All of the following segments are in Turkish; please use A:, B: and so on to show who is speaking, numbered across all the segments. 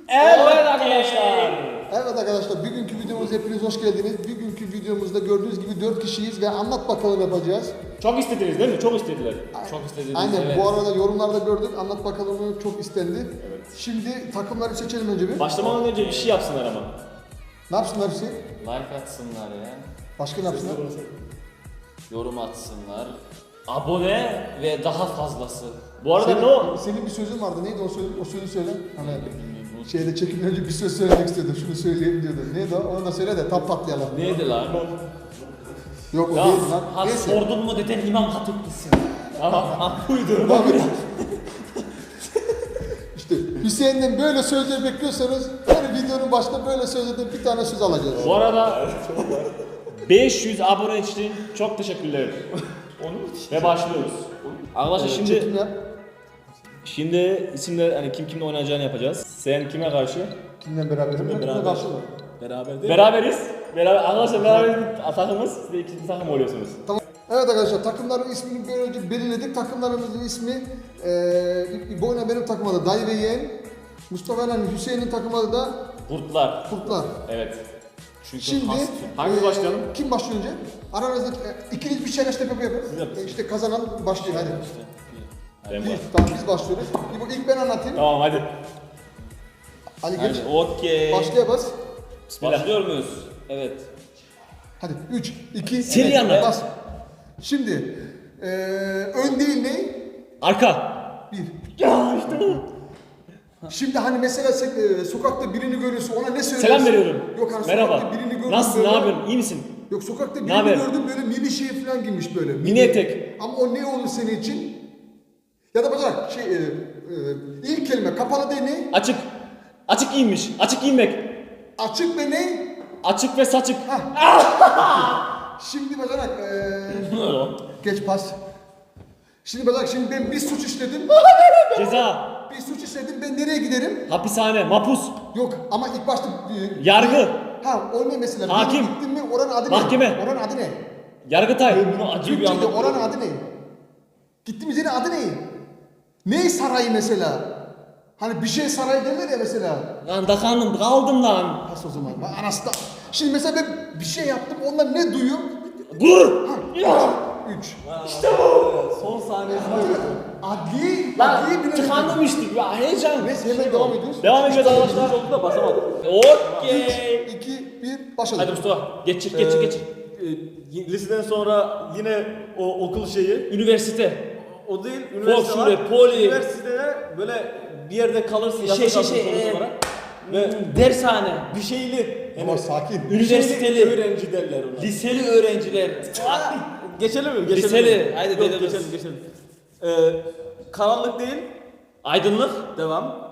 A: Evet arkadaşlar.
B: Evet arkadaşlar, bugünkü videomuza hepiniz hoş geldiniz. Bugünkü videomuzda gördüğünüz gibi 4 kişiyiz ve anlat bakalım yapacağız.
A: Çok istediniz değil mi? Çok istediler. Çok istediniz.
B: Aynen,
A: evet.
B: bu arada yorumlarda gördük, anlat bakalım çok istendi.
A: Evet.
B: Şimdi takımları seçelim önce bir.
A: Başlamadan önce bir şey yapsınlar ama.
B: Ne yapsınlar hepsi?
C: Like atsınlar ya.
B: Başka ne yapsınlar?
C: Yorum atsınlar. Abone ve daha fazlası.
A: Bu arada ne o?
B: Senin bir sözün vardı, neydi o sözü söyle. Hani şeyde çekimden önce bir söz söylemek istiyordum, şunu söyleyeyim diyordum. Neydi o? Onu da söyle de tam patlayalım.
C: Neydi lan?
B: Yok o
A: Ya,
B: değil lan.
C: Ha
B: Neyse.
C: sordun mu deden İmam Hatiplisin.
A: Tamam.
B: Devam et. İşte Hüseyin'den böyle sözler bekliyorsanız her videonun başında böyle sözlerden bir tane söz alacağız.
A: Bu arada 500 abone için çok teşekkürler. Ve başlıyoruz. Arkadaşlar şimdi
B: Çekim yap.
A: isimler hani kim kimle oynayacağını yapacağız. Sen kime karşı?
B: Kimle beraber? Kimle
A: beraber.
B: karşı mı?
C: Beraber değil
A: Beraberiz. Arkadaşlar beraber takımız. Siz de ikinci takım oluyorsunuz.
B: Tamam. Evet arkadaşlar, takımların ismini böylece belirledik. Takımlarımızın ismi bu oyuna benim takım adı Dayı ve Yeğen. Mustafa ile Hüseyin'in takım adı da
A: Kurtlar.
B: Kurtlar.
A: Evet.
C: Çünkü
B: Şimdi
A: Hangi başlayalım?
B: Kim başlıyor önce? Aranızda ikiniz bir şeyler tepe yapın.
A: Siz yapın.
B: İşte kazanan başlıyor hadi.
A: Ben
B: Bir,
A: var.
B: tamam biz başlıyoruz. İlk ben anlatayım.
A: Tamam hadi.
B: Ali geç.
C: Okey.
B: Başlaya bas.
A: Bismillah.
C: Başlıyor muyuz? Evet.
B: Hadi 3, 2,
A: Seri anlat.
B: bas. Şimdi ön değil ne?
A: Arka.
B: 1.
A: Ya işte bu.
B: Şimdi hani mesela sen sokakta birini görüyorsun, ona ne söylüyorsun?
A: Selam veriyorum.
B: Yok hani
A: Merhaba.
B: sokakta birini gördüm
A: Nasılsın?
B: böyle.
A: Ne yapıyorsun? İyi misin?
B: Yok sokakta birini
A: haber?
B: gördüm böyle mini şey falan giymiş böyle.
A: Mini etek.
B: Ama o ne olur senin için? Ya da bacak ilk kelime kapalı değil ne?
A: Açık. Açık giyinmiş. Açık giyinmek.
B: Açık ve ne?
A: Açık ve saçık.
B: Şimdi bacanak geç pas. Şimdi bacanak şimdi ben bir suç işledim.
A: Ceza.
B: Bir suç işledim, ben nereye giderim?
A: Hapishane. Mapus.
B: Yok ama ilk başta
A: Yargı.
B: Ha o ne mesela?
A: Hakim.
B: Bir gittin mi oranın adı
A: Mahkeme.
B: ne? Oranın adı ne?
A: Yargıtay. Bunu acı bir
B: Türkçe'de
A: anlatıyor.
B: oranın adı ne? Gittiğimiz yerin adı ne? Ne sarayı mesela? Hani bir şey sarayı derler ya mesela.
A: Lan dakandım. Kaldım lan.
B: Pas o zaman. Bak anası da. Şimdi mesela ben bir şey yaptım, onlar ne duyuyor?
A: Dur.
B: Ha, 3.
A: İşte bu.
C: Son saniyesinde
B: Adli
A: Lan
B: bile-
A: tıkandım işte. Ya heyecan.
B: Neyse hemen devam ediyoruz.
A: Devam ediyoruz arkadaşlar.
C: oldu da basamadım.
A: Okey.
B: 2, 1, başladı.
A: Hadi Mustafa. Geçir.
D: Liseden sonra yine o okul şeyi.
A: Üniversite.
D: O değil, üniversite
A: Folşure,
D: var.
A: poli.
D: Üniversitede böyle bir yerde kalırsın,
A: Şey,
D: yasa kalırsın
A: şey,
D: sonuç olarak. Ve
A: Dershane.
D: bir şeyli,
B: Ama sakin.
A: Üniversiteli.
D: öğrenci derler ona.
A: Liseli öğrenciler.
D: Geçelim mi? Geçelim
A: Liseli,
D: mi?
A: haydi
D: Yok,
A: dedim.
D: geçelim. Karanlık değil,
A: Aydınlık.
D: devam.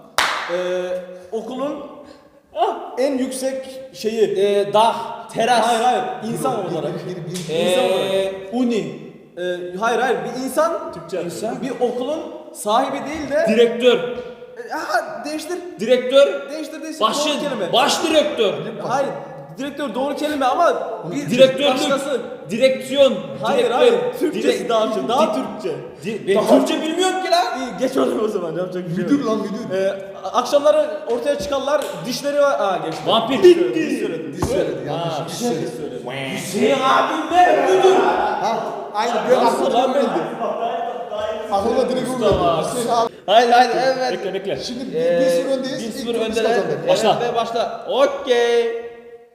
D: Okulun en yüksek şeyi.
A: Dağ. Teras.
D: Hayır, insan olarak. İnsan olarak.
A: Uni.
D: Hayır, bir insan,
A: İnsan.
D: bir okulun sahibi değil de.
A: Direktör.
D: Değiştir.
A: Direktör.
D: Değiştir. Doğru kelime.
A: Baş direktör.
D: Hayır. Direktör doğru kelime ama bir
A: Direktörlük.
D: başkası.
A: Direksiyon.
D: Hayır. Türkçesi daha çok. Daha Türkçe.
A: Ben Türkçe bilmiyorum ki lan.
D: İyi, geç onu o zaman. Yapacak bir şey yok.
B: Müdür lan müdür.
D: Akşamları ortaya çıkarlar. Dişleri var. Geçti.
A: Vampir.
D: Diş söyledi.
B: Diş söyledi yanlış. Diş söyledi.
A: Hüseyin abim ben müdür.
B: Ha, aynı böyle
A: Nasıl lan
B: aklıma geldi. Aklıma direkt vurdu. Hüseyin abi.
C: Hayır evet.
A: Bekle.
B: Şimdi 1-0 öndeyiz.
C: 1-0
B: İlk turumuz
C: öndeler.
B: kazandı.
A: Başla.
C: Evet, ve başla. Okey.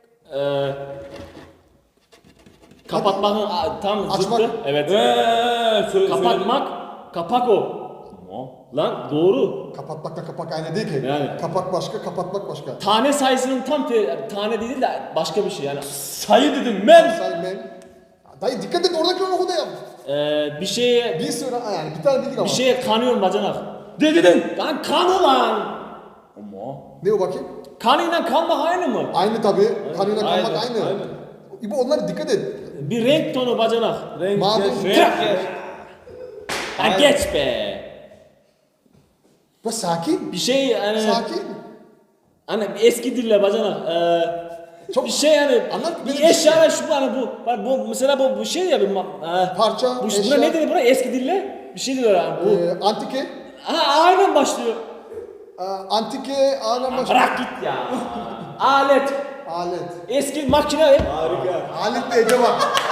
A: Kapatmanın tam
B: Açmak.
A: zıttı. Evet. Kapatmak. Kapak o. Lan doğru.
B: Kapatmakla kapak aynı değil ki.
A: Yani.
B: Kapak başka, kapatmak başka.
A: Tane sayısının tam tane değil de başka bir şey yani. Sayı dedim ben.
B: Sayın ben. Dayı dikkat et, oradaki oku da yap.
A: Bir şeye
B: 1-0 yani bir tane bildik ama.
A: bir şeye kanıyorum bacanak. Dedin. Lan kanı lan. Ama.
B: Ne o bakayım?
A: Kanıyla kanmak aynı mı?
B: Aynı tabi. Kanıyla kalmak
C: Aynı,
B: aynı. İbo onlara dikkat et.
A: Bir renk tonu bacanak.
D: Renk,
B: Mavi.
D: geç.
A: Ha geç be.
B: Bak sakin.
A: Bir şey hani
B: Sakin.
A: hani eski dille bacanak.
B: Çok
A: Bir şey yani
B: Anlat,
A: bir
B: benim
A: eşya ve şu hani bu mesela bu şey ya bir
B: Parça,
A: buna
B: eşya.
A: ne dedi buna eski dille? Bir şey diyor yani bu.
B: Antike.
A: Ha aynen başlıyor.
B: Antike ağırlama başka.
A: Bırak git ya. Alet.
B: Alet.
A: Eski makine.
D: Harika.
B: Alet de Ece bak.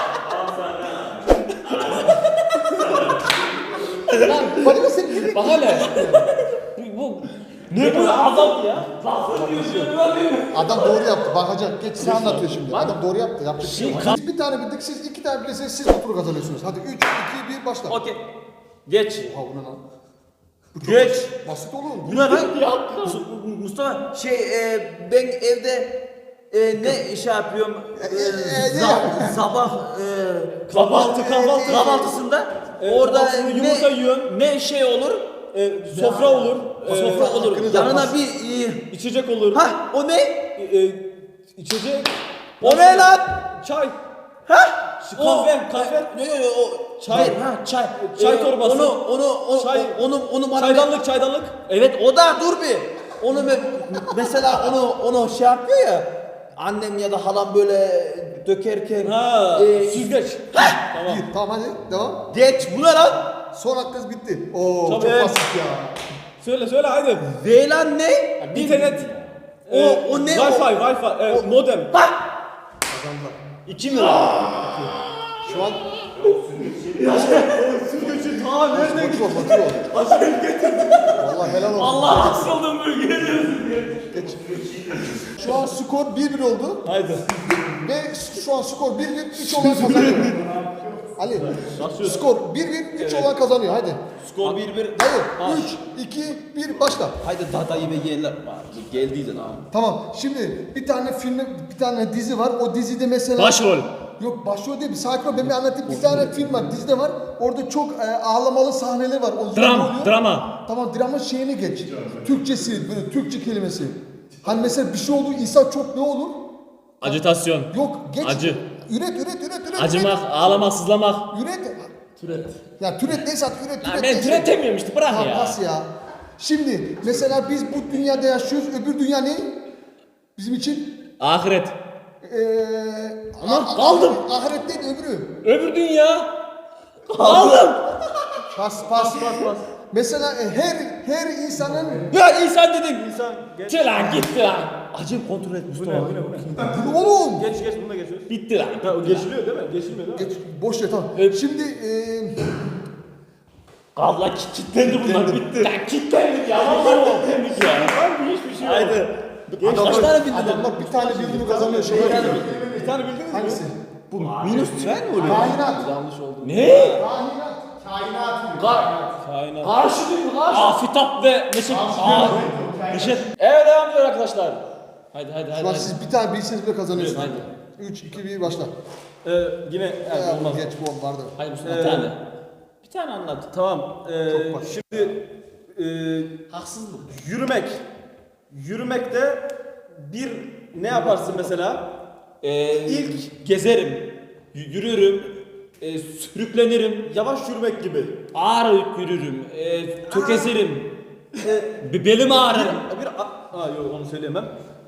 B: Lan bana sen direkt
A: Bak hele. Bu ne bu azap ya?
B: adam doğru yaptı. Bakacak. Geç sen anlatıyor şimdi. Adam doğru yaptı. Yapacak bir şey yok. Biz bir tane bildik. Siz iki tane bilirseniz siz bu turu kazanıyorsunuz. Hadi 3, 2, 1 başla.
C: Okey. Geç.
B: Ha bu ne lan?
C: Geç.
B: Basit oğlum.
C: Bu ne lan? Mustafa ben evde ne şey yapıyorum? Sabah kahvaltısında orada
D: Kahvaltısında yumurta yiyorsun.
C: ne şey olur?
D: Sofra olur.
C: Sofra olur.
B: hakkınızı
C: Yanına
B: almaz.
D: Bir içecek olur.
C: ha o ne?
D: İçecek.
C: O ne lan?
D: Çay.
C: Ha?
D: Kahve.
C: O
D: Çay.
C: çay.
D: Çay torbası.
C: Onu bana
D: Çaydanlık.
C: Evet o da dur bir. Onu mesela onu şey yapıyor ya. Annem ya da halam böyle dökerken.
D: Ha. Süzgeç.
B: Tamam. Tamam hadi devam.
C: Geç bu ne lan?
B: Son hakkınız bitti. Oo çok
D: Evet.
B: basit ya.
D: Söyle hadi.
C: VLAN ne?
D: İnternet.
C: O ne o?
D: Wi-Fi. Modem.
C: Ha?
A: 2 mi lan?
B: Şu an
D: Aa nereden
B: motor motor. Vallahi helal olsun.
A: Allah asıldım bölgeye.
B: Geç. Şu an skor 1-1 oldu.
D: Haydi.
B: Ve şu an skor 1-1, 3 olan kazanıyor. Ali, skor 1-1, 3 olan kazanıyor. Hadi.
C: Skor 1-1.
B: Hadi. 3, 2, 1, başla.
C: Haydi dadayı ve yeğenler. Geldiydi lan.
B: Tamam. Şimdi bir tane film, bir tane dizi var. O dizide mesela...
A: Başrol.
B: Yok başrol değil. Bir sakin ol. Ben bir anlatayım. Bir tane film var. Dizide var. Orada çok ağlamalı sahneler var. O zor oluyor.
A: Drama.
B: Tamam dramın şeyini geç. Türkçesi, böyle Türkçe kelimesi. Hani mesela bir şey oldu, insan çok ne olur?
A: Acitasyon.
B: Yok geç.
A: Acı.
B: Üret.
A: Acımak, ağlamak, sızlamak.
B: Üret. Ya türet neyse artık üret.
A: Lan ben türetemiyorum işte bırak
B: Tamam
A: ya.
B: pas ya. Şimdi mesela biz bu dünyada yaşıyoruz. Öbür dünya ne? Bizim için?
A: Ahiret.
B: Ama
A: kaldım.
B: Ahiret değil öbürü.
A: Öbür dünya. Kaldım.
B: Pas. Mesela her insanın
A: Ya insan dedin.
D: İnsan geç.
A: Tı lan gitti lan.
C: Acı kontrol et
D: Bu ne?
B: bunu oğlum.
D: Geç bunu da geçiyoruz.
A: Bitti lan.
D: Ha, o geçiliyor değil mi? Geçilmiyor değil mi?
B: Geç, boş ver tamam. Şimdi
A: Allah kilitlendi bunlar bitti. Lan kilitlendik ya. Vallahi kilitlendik ya. Harbi hiçbir şey yok.
D: Haydi.
C: Kaç tane bildin?
B: adamlar bir tane bildiğini kazanıyor. Şey
D: Bir tane bildiniz mi?
B: Hangisi?
C: Bu minus tren mi oluyor?
B: Kainat.
C: Yanlış oldu.
A: Ne?
B: Kainat.
D: Aynen.
A: Karşı değil mi? Karşı. Afitap ve Neşet. Neşet. Evet devam ediyor arkadaşlar. Haydi.
B: Şu an siz bir tane bilseniz bile kazanıyorsunuz.
A: Hadi.
B: 3, 2, 1 başla.
D: Yine
B: Ya,
D: olmaz.
B: geç bu vardı.
A: Haydi Mustafa bir tane.
C: Bir tane anlat.
D: Tamam.
B: Çok basit.
D: Şimdi
C: Haksızlık.
D: yürümekte bir ne yaparsın mesela?
A: İlk gezerim. Yürürüm. Sürüklenirim.
D: Yavaş yürümek gibi.
A: Ağır yürürüm. Tökezirim. Belim ağrır.
D: Yok onu söyleyemem.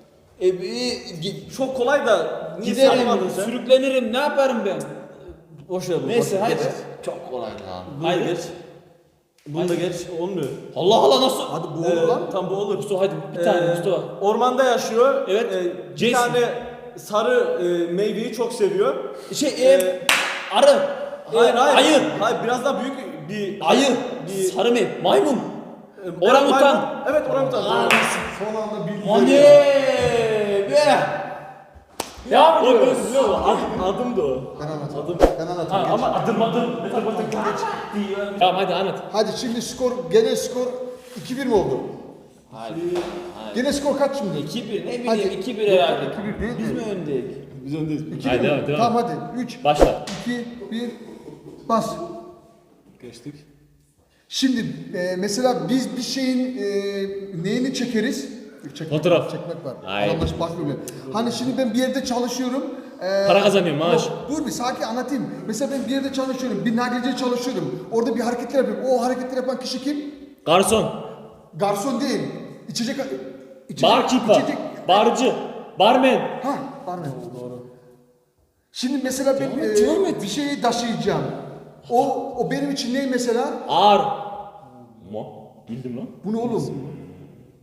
D: Çok kolay da niye
A: Giderim.
D: saymadın sen?
A: Sürüklenirim. Ne yaparım ben?
C: Boş ver bu.
A: Neyse haydi.
C: Çok kolay lan.
D: Bunu da geç. Bunu da geç. Olmuyor.
A: Allah Allah nasıl?
B: Hadi bu olur lan.
D: Tam bu olur.
A: Mustafa haydi bir tane Mustafa.
D: Ormanda yaşıyor.
A: Evet.
D: Bir
A: Jason.
D: tane sarı meyveyi çok seviyor.
A: Arı.
D: Hayır.
A: Ayı.
D: Hayır biraz daha büyük bir
A: Ayı.
D: Bir-
A: Sarı mı? Maymun.
D: Evet,
A: Orangutan.
D: maymun. Evet orangutan.
B: Son anda bildi.
A: Hani be. Devam ediyoruz.
D: Adım da o.
B: Ben anlatayım.
D: Adım.
B: Ben anlatayım.
A: Ha,
B: geç.
A: ama adım. Tamam hadi anlat.
B: Hadi şimdi genel skor 2-1 mi oldu?
A: Haydi.
B: Genel skor kaç şimdi?
A: 2-1 ne
B: Hadi.
A: bileyim 2-1 herhalde.
B: 2-1 değil
A: Biz
B: mi?
A: mi öndeyiz?
D: Biz öndeyiz.
A: Haydi devam.
B: Tamam hadi. 3,
A: Başla.
B: 2, 1, bas.
D: Geçtik.
B: Şimdi mesela biz bir şeyin neyini çekeriz?
A: Fotoğraf.
B: Çekmek var.
A: Aynen.
B: Adamlar bakmıyor. Hani şimdi ben bir yerde çalışıyorum.
A: Para kazanıyorum, maaş.
B: Yok, dur bir sakin anlatayım. Mesela ben bir yerde çalışıyorum. Bir nakliyeciye çalışıyorum. Orada bir hareketler yapıyorum. O hareketleri yapan kişi kim?
A: Garson.
B: Garson değil. İçecek...
A: Barkeeper.
B: içecek-
A: Barcı. Barmen.
B: Ha, barmen. Doğru. Şimdi mesela ben
A: devam et.
B: bir şeyi taşıyacağım. O benim için ne mesela?
A: Ağır. Bildim lan.
B: Bu ne oğlum?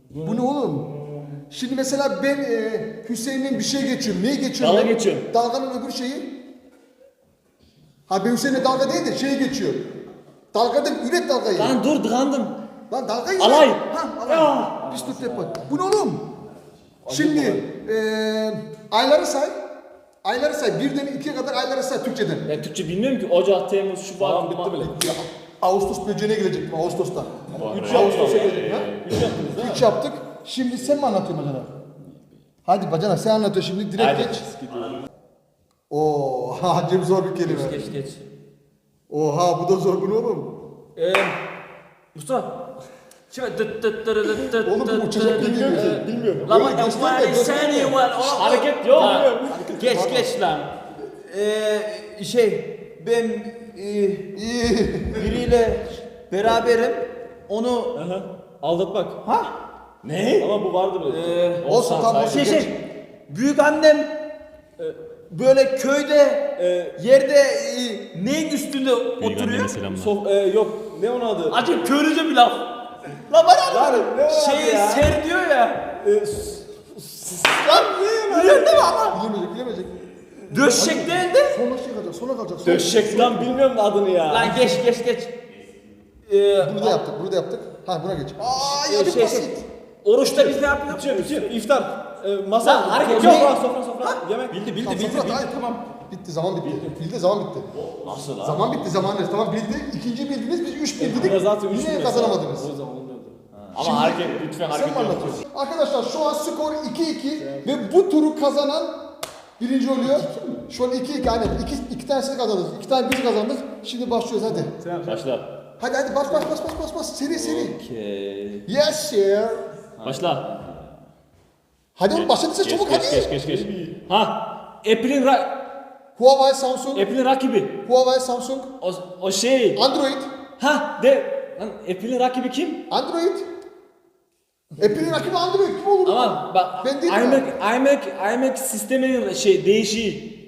B: Bu ne oğlum? Şimdi mesela ben Hüseyin'in bir şey geçiyorum. Neyi geçiyorum?
A: Dalga
B: ben?
A: geçiyorum.
B: Dalganın öbür şeyi. Ha ben Hüseyin'e dalga değil de şey geçiyor. Dalga değil, üret dalgayı.
A: Lan dur tıkandım.
B: Lan dalgayı.
A: Alay.
B: Ha alay. Pis tut yapar. Bu ne oğlum? Şimdi ayları say. Ayları say. Birden 2'ye kadar ayları say Türkçeden.
A: Ben Türkçe bilmiyorum ki. Ocak, Temmuz, Şubat.
D: Tamam, bitti bile.
B: Ya, Ağustos böceğine gelecektim Ağustos'ta.
D: 3
B: Ağustos'a gelecek ha?
D: 3 yaptınız değil mi?
B: 3 yaptık. Şimdi sen mi anlatıyorsun bacana? Hadi bacana sen anlatıyorsun şimdi direkt
A: Hadi.
B: geç. Oo, hacım zor bir kelime.
C: Geç.
B: Oha bu da zor bu ne oğlum?
C: Mustafa. Şimdi
B: Oğlum bu uçacak gibi geliyor.
D: Bilmiyorum.
C: Lan
B: Böyle
C: bak
B: göster de, göster de.
A: Hareket yok.
C: Geç lan. Ben
B: İyi.
C: biriyle beraberim. Onu
D: Aldatmak.
C: ha?
A: Ne?
D: Ama bu vardı bile.
B: Olsun tam olsun. geç.
C: Büyük annem böyle köyde yerde neyin üstünde oturuyor?
D: Yok. Ne onun adı?
C: Acayip köylüce bir laf. La bana
D: Lan ne o adı ya?
C: ser diyor ya.
D: Lan ne
C: Biliyorsun değil mi ama?
B: Bilemeyecek.
C: Döşek değil de.
B: Sonra şey kalacak, sonra kalacak. Sonra.
D: Döşek lan bilmiyorum adını ya.
C: Lan geç.
B: Bunu da yaptık. Ha buna geç. Aa ya
C: şey-
B: basit.
C: Oruçta biz ne yapıyoruz?
D: Bitiyor. İftar. Masa.
C: Lan hareket
D: Sofra. Yemek.
C: Bildi
B: Hayır, tamam. Bitti zaman bitti. Bildi zaman bitti.
A: Nasıl lan?
B: Zaman bitti zaman ne? Tamam bildi. İkinci bildiniz biz 3 bildik.
D: Ya zaten üç
B: Yine
D: bilmez.
B: kazanamadınız.
D: O zaman olmuyordu.
A: Ama hareket lütfen
B: Sen
A: hareket
B: mi
A: yok.
B: anlatıyorsun? Arkadaşlar şu an skor 2-2 ve bu turu kazanan birinci oluyor. Şu an 2-2 aynen. İki tanesini kazandık. 2 tane biz kazandık. Şimdi başlıyoruz hadi.
A: Başla.
B: Hadi bas. Seri.
C: Okay.
B: Yes sir.
A: Başla.
B: Hadi oğlum başladıysa çabuk hadi.
A: Geç. Ha.
B: Huawei Samsung.
A: Apple'in rakibi.
B: Huawei Samsung.
A: O şey.
B: Android.
A: Ha de. Lan Apple'in rakibi kim?
B: Android. Apple'in rakibi Android kim olur?
A: Ama bak
B: Ben değilim
A: iMac sisteminin değişiği.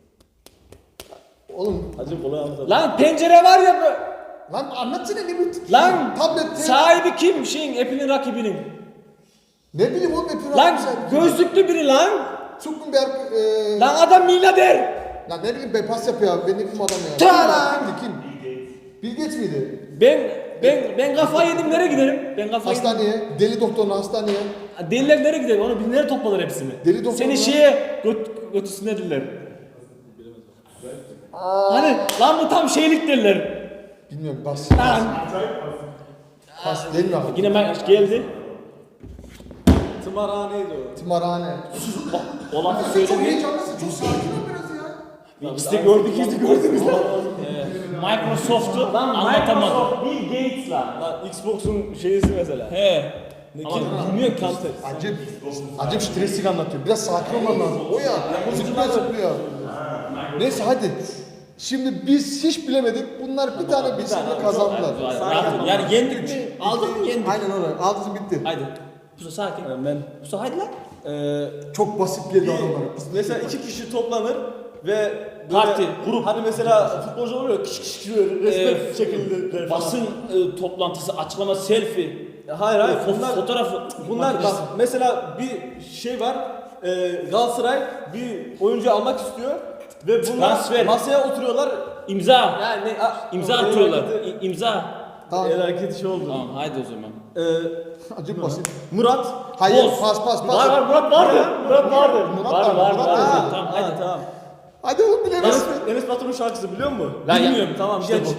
B: Oğlum
D: Hacı kolay anlatalım.
A: Lan pencere var ya
B: lan anlatsana ne bu?
A: lan
B: Tablet.
A: sahibi kim Apple'in rakibinin?
B: Ne bileyim oğlum Apple'in
A: Lan
B: rakibi.
A: gözlüklü biri lan.
B: Zuckerberg.
A: Lan adam milyarder.
B: Lan ne bileyim bypass yapıyor abi. Ben ne bileyim adam ya.
A: Ta!
B: Kim? Bill Gates miydi?
A: Ben kafayı yedim nereye giderim? Ben kafayı yedim.
B: Hastaneye. Deli doktoruna hastaneye.
A: Deliler nereye gider? Onu nereye toplarlar hepsini?
B: Deli doktor
A: Seni
B: mu?
A: şeye götürsünler dediler. Hani lan bu tam şeylik derler.
B: Bilmiyorum bas.
A: Lan.
B: Bas değil mi abi?
A: Yine geldi.
D: Tımarhaneydi o.
B: Tımarhane.
A: O lafı
B: Çok
A: söyledi.
B: heyecanlısın. Çok sakin ol biraz ya.
A: İkisi de gördünüz lan. Microsoft'u anlatamadı. Bill Gates lan.
D: Lan Xbox'un şeyisi mesela.
A: He.
D: Ama bilmiyorum counter.
B: Acayip stresli anlatıyor. Biraz sakin olman lazım. O ya. Zıplıyor. Neyse hadi. Şimdi biz hiç bilemedik. Bunlar bir tane bilsin de kazandılar.
C: Yani yendik. Aldık mı yendik?
B: Aynen öyle. Aldınız bitti.
C: Haydi. Musa sakin.
D: Ben
C: Musa haydi lan.
B: Çok basit geldi adamlara.
D: mesela 2 kişi toplanır ve böyle
A: Parti, grup.
D: Hani mesela futbolcu oluyor ya, kış resmen şekilde
A: Basın toplantısı, açıklama, selfie.
D: Hayır
A: Fotoğrafı.
D: bunlar bak mesela bir şey var. Galatasaray bir oyuncu almak istiyor ve bunlar
A: Transfer.
D: masaya oturuyorlar.
A: İmza.
D: Yani
A: İmza atıyorlar. İmza.
B: Tamam.
D: El hareketi şey oldu.
A: Tamam haydi o zaman.
B: Acayip basit.
D: Murat.
B: Hayır
A: Boz.
B: pas.
A: Murat vardı. Murat vardı.
B: Var.
D: Ha,
A: Tamam
D: ha,
A: haydi.
D: tamam.
B: Hadi oğlum bilemezsin.
D: Enes Batur'un şarkısı biliyor musun?
A: Lan ya-
D: Bilmiyorum. Tamam
A: İşte
D: geç.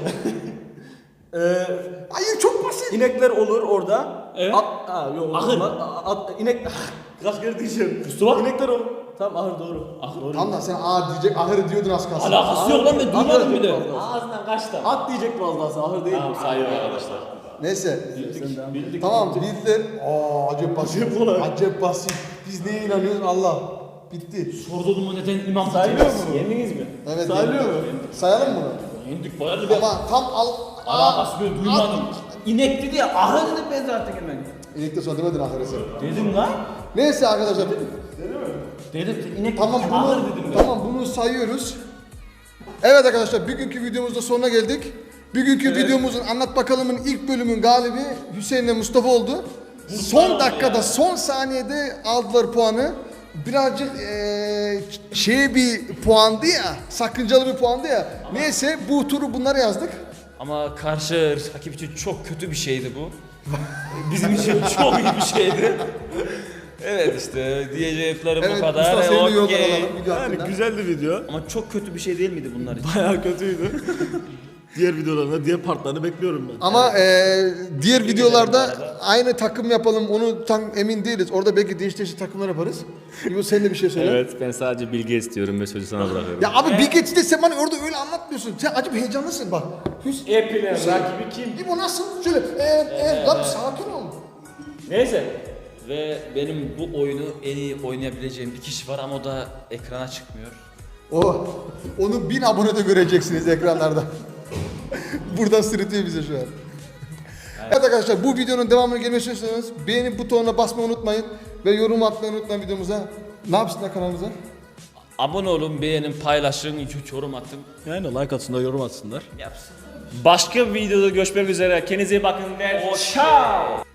B: Hayır çok basit.
D: İnekler olur orada.
A: Evet.
D: Yok.
A: Ahır.
D: İnek kaç kere diyeceğim.
A: Mustafa.
D: İnekler olur. Tamam ahır doğru. Doğru.
B: Tamam da sen diyecek ahır diyordun az kalsın.
A: Alakası yok lan ben duymadım bile.
D: Ahır.
A: Ağzından kaçtı.
D: At diyecektim az daha sonra, ahır değil.
A: Tamam sayıyor arkadaşlar.
B: Neyse.
A: Bildik.
B: Tamam bildiler. Acayip basit.
D: Acayip kolay.
B: Acayip basit. Biz neye inanıyoruz Allah. Bitti.
A: Sordum mu neden imam
D: Sayılıyor mu?
A: Yendiniz mi?
B: Evet.
D: Sayılıyor mu?
B: Sayalım mı bunu?
A: Yendik bayağı bir
B: Ama tam
A: alakası böyle duymadım.
C: İnek dedi ya. Ahır dedim ben zaten hemen.
B: İlekte sonra demedin ahırı sen.
C: Dedim lan.
B: Neyse arkadaşlar.
C: Dedim inek
B: Tamam
A: Ahır
B: bunu,
A: dedim ben.
B: tamam bunu sayıyoruz. Evet arkadaşlar bugünkü videomuzda sonuna geldik. Bugünkü videomuzun Anlat Bakalım'ın ilk bölümün galibi Hüseyin'le Mustafa oldu. Son dakikada, son saniyede aldılar puanı. Birazcık bir puandı ya, sakıncalı bir puandı ya. Neyse bu turu bunlara yazdık.
A: Ama karşı rakip için çok kötü bir şeydi bu. Bizim için çok iyi bir şeydi. Evet işte diyeceklerim bu kadar.
B: Mustafa senin de yoldan
A: Okey.
B: alalım video
D: Yani
B: hakkında.
D: güzeldi video.
A: Ama çok kötü bir şey değil miydi bunlar için?
D: Bayağı kötüydü. Diğer videolarında diğer partlarını bekliyorum ben.
B: Ama diğer videolarda
A: bu arada.
B: aynı takım yapalım onu tam emin değiliz. Orada belki değişik takımlar yaparız. İbo sen de bir şey söyle.
A: Evet ben sadece bilgi istiyorum ve sözü sana bırakıyorum.
B: Ya abi bir geçti de sen bana orada öyle anlatmıyorsun. Sen acaba heyecanlısın bak.
A: Epey'in rakibi kim?
B: İbo nasıl? Şöyle lan sakin ol.
A: Neyse.
C: Ve benim bu oyunu en iyi oynayabileceğim bir kişi var ama o da ekrana çıkmıyor.
B: Onu 1000 abonede göreceksiniz ekranlarda. Buradan sırıtıyor bize şu an. Evet arkadaşlar bu videonun devamını gelmesini istiyorsanız beğeni butonuna basmayı unutmayın. Ve yorum atmayı unutmayın videomuza. Ne yapsınlar kanalımıza?
A: Abone olun, beğenin, paylaşın, yorum atın.
D: Yani like atsınlar, yorum atsınlar.
A: Başka bir videoda görüşmek üzere. Kendinize iyi bakın ve ciao.